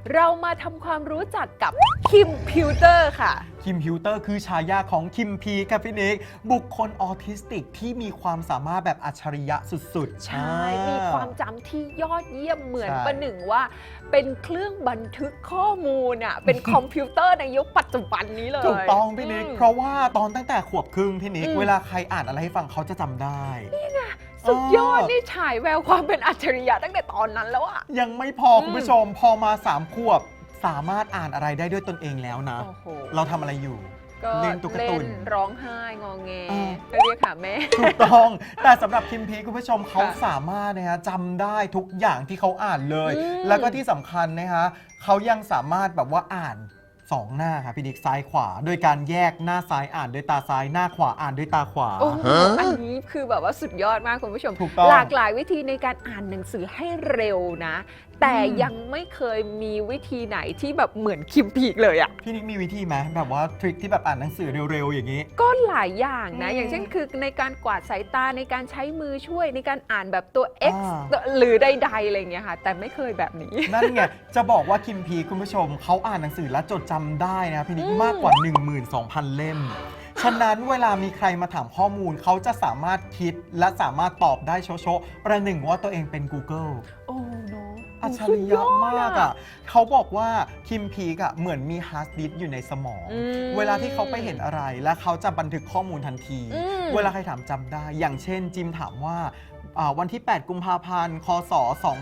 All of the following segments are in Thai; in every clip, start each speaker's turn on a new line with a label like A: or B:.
A: เรามาทำความรู้จักกับคิมพิวเตอร์ค่ะ
B: คิมพิวเตอร์คือฉายาของคิมพีครับพี่นิกบุคคลออทิสติกที่มีความสามารถแบบอัจฉริยะสุดๆ
A: ใช่ มีความจำที่ยอดเยี่ยมเหมือน
B: ใช่
A: ประหนึ่งว่าเป็นเครื่องบันทึกข้อมูลอ่ะ เป็นคอมพิวเตอร์ในยุคปัจจุบันนี้เลย
B: ถูกต้องพี่นิกเพราะว่าตอนตั้งแต่ขวบครึ่งพี่นิก
A: อืม
B: เวลาใครอ่านอะไรให้ฟังเขาจะจำได้
A: สุดยอดนี่ฉายแววความเป็นอัจฉริยะตั้งแต่ตอนนั้นแล้วอ่ะ
B: ยังไม่พอคุณผู้ชมพอมา3 ขวบสามารถอ่านอะไรได้ด้วยตนเองแล้วนะ
A: โอ้โห
B: เราทำอะไรอยู่
A: ก็
B: เล่นตุ๊กตาตุ่น
A: ร้องไห้งอแง
B: อ่า
A: ก็เรียกหาแม่
B: ถูกต้อง แต่สำหรับคิมพีคุณผู้ชมเขา
A: ค่ะ
B: สามารถนะฮะจำได้ทุกอย่างที่เขาอ่านเลย
A: อืม
B: แล้วก็ที่สำคัญนะฮะเขายังสามารถแบบว่าอ่าน2 หน้าครับพี่ดิกซ้ายขวา โดยการแยกหน้าซ้ายอ่านด้วยตาซ้ายหน้าขวาอ่านด้วยตาขวา
A: โอ้โหอันนี้คือแบบว่าสุดยอดมากคุณผู้ชม
B: ถูกต้อง
A: หลากหลายวิธีในการอ่านหนังสือให้เร็วนะ แต่ยังไม่เคยมีวิธีไหนที่แบบเหมือนคิมพีกเลยอะ
B: พี่นิกมีวิธีไหมแบบว่าทริคที่แบบอ่านหนังสือเร็วๆอย่างนี้
A: ก็หลายอย่างนะ
B: อืม
A: อย่างเช่นคือในการกวาดสายตาในการใช้มือช่วยในการอ่านแบบตัว X
B: อ่า
A: หรือใดๆอะไรอย่างเงี้ยค่ะ แต่ไม่เคยแบบนี้
B: นั่นไง จะบอกว่าคิมพีคุณผู้ชมเขาอ่านหนังสือและจดจำได้นะพี่นิกมากกว่า 12,000 เล่ม ฉะนั้นเวลามีใครมาถามข้อมูลเขาจะสามารถคิดและสามารถตอบได้โชะๆประหนึ่งว่าตัวเองเป็น Google
A: โอ้เนาะ
B: อัจฉริยะมากอ่ะเขาบอกว่าคิมพีกอ่ะเหมือนมีฮาร์ดดิสก์อยู่ในสมอง
A: อืม
B: เวลาที่เขาไปเห็นอะไรแล้วเขาจะบันทึกข้อมูลทันที
A: อืม
B: เวลาใครถามจำได้ อย่างเช่นจิมถามว่าวันที่ 8 กุมภาพันธ์ คศ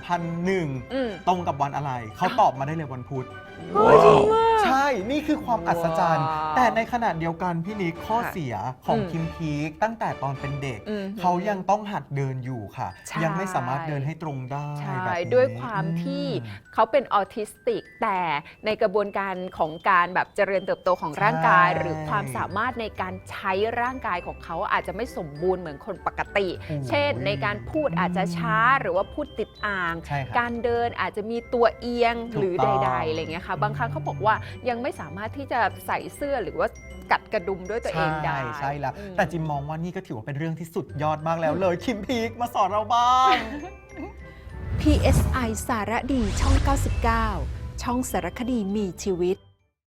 B: 2001
A: อืม
B: ตรงกับวันอะไร เขาตอบมาได้เลยวันพุธ
A: เฮ้ยจริงว่ะ
B: ใช่ นี่คือความอัศจรรย์
A: ว้าว
B: แต่ในขณะเดียวกันพี่นิกข้อ
A: ค่ะ
B: เสียของ
A: อืม
B: คิมพีกตั้งแต่ตอนเป็นเด็ก
A: อืม
B: เขายังต้องหัดเดินอยู่ค่ะ
A: ใช่
B: ยังไม่สามารถเดินให้ตรงได้
A: ใช่
B: แบบนี้
A: ด้วยความที่เขาเป็นออทิสติก แต่ในกระบวนการของการแบบเจริญเติบโตของร่างกาย
B: ใช่
A: หรือความสามารถในการใช้ร่างกายของเขาอาจจะไม่สมบูรณ์เหมือนคนปกติ
B: โอ้ย
A: เช่น ในการพูดอาจจะช้าหรือว่าพูดติดอ่าง
B: ใช่ครับ
A: การเดินอาจจะมีตัวเอียง
B: ถูก
A: หรือ
B: ต้อง
A: ใดๆอะไรเงี้ยค่ะบางครั้งเขาบอกว่ายังไม่สามารถที่จะใส่เสื้อหรือว่ากัดกระดุมด้วยตัวเองได้
B: ใช่แล้ว
A: อืม
B: แต่จิมมองว่านี่ก็ถือว่าเป็นเรื่องที่สุดยอดมากแล้วเลยคิมพีกมาสอนเราบ้าง
C: PSI สารดีช่อง 99 ช่องสารคดีมีชีวิต